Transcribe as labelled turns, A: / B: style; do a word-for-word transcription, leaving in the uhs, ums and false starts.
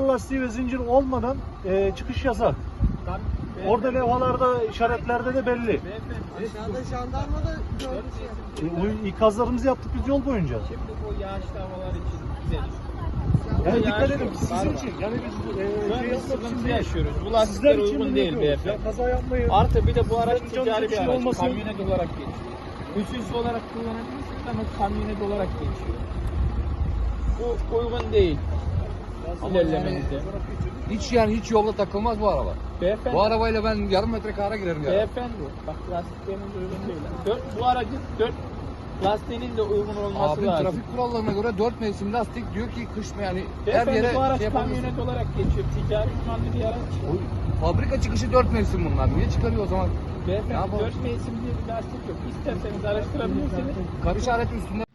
A: lastiği ve zincir olmadan e, çıkış yasak. Orada levhalarda, işaretlerde de belli.
B: Aşağıda jandarma da gördü.
A: E, ikazlarımızı yaptık biz yol boyunca.
C: Şimdi bu yağışlı havalar için güzel.
A: Yani dikkat
C: yağış
A: edin
C: yok,
A: sizin
C: kar var.
A: için. Yani biz e,
C: Böyle
A: şey
C: bir
A: yapmak için
C: sıkıntı
A: değil.
C: yaşıyoruz. Bu
A: Sizler
C: lastikler
A: için
C: uygun
A: bunu
C: değil
A: yapıyoruz.
C: beyefendi.
A: Ya kaza yapmayın.
C: Artı bir de bu araç
A: Sizlerin
C: ticari
A: canınız
C: bir
A: için
C: araç.
A: olmasın.
C: Kamyonet olarak geçiyor. Ücretsiz olarak kullanabilirsiniz ama kamyonet olarak geçiyor. Bu uygun değil. İlerlemenize.
D: Hiç yani hiç yolda takılmaz bu araba.
C: Beyefendi.
D: Bu arabayla ben yarım metre kara girerim ya.
C: Beyefendi. Bak lastikleriniz uygun değil. Dört, bu aracın dört lastiğinin de uygun olması
D: Abi
C: lazım.
D: trafik kurallarına göre dört mevsim lastik diyor ki kış mı yani her
C: Beyefendi
D: yere
C: bu araç
D: şey yapamıyorsun.
C: kamyonet olarak geçiyor. Ticari kullandığı bir araç.
D: O- Fabrika çıkışı dört mevsim bunlar. Niye çıkarıyor o zaman? Ne
C: Beyefendi
D: yapalım?
C: dört mevsim diye bir lastik yok. İsterseniz araştırabilirsiniz.
D: Kar işareti üstünde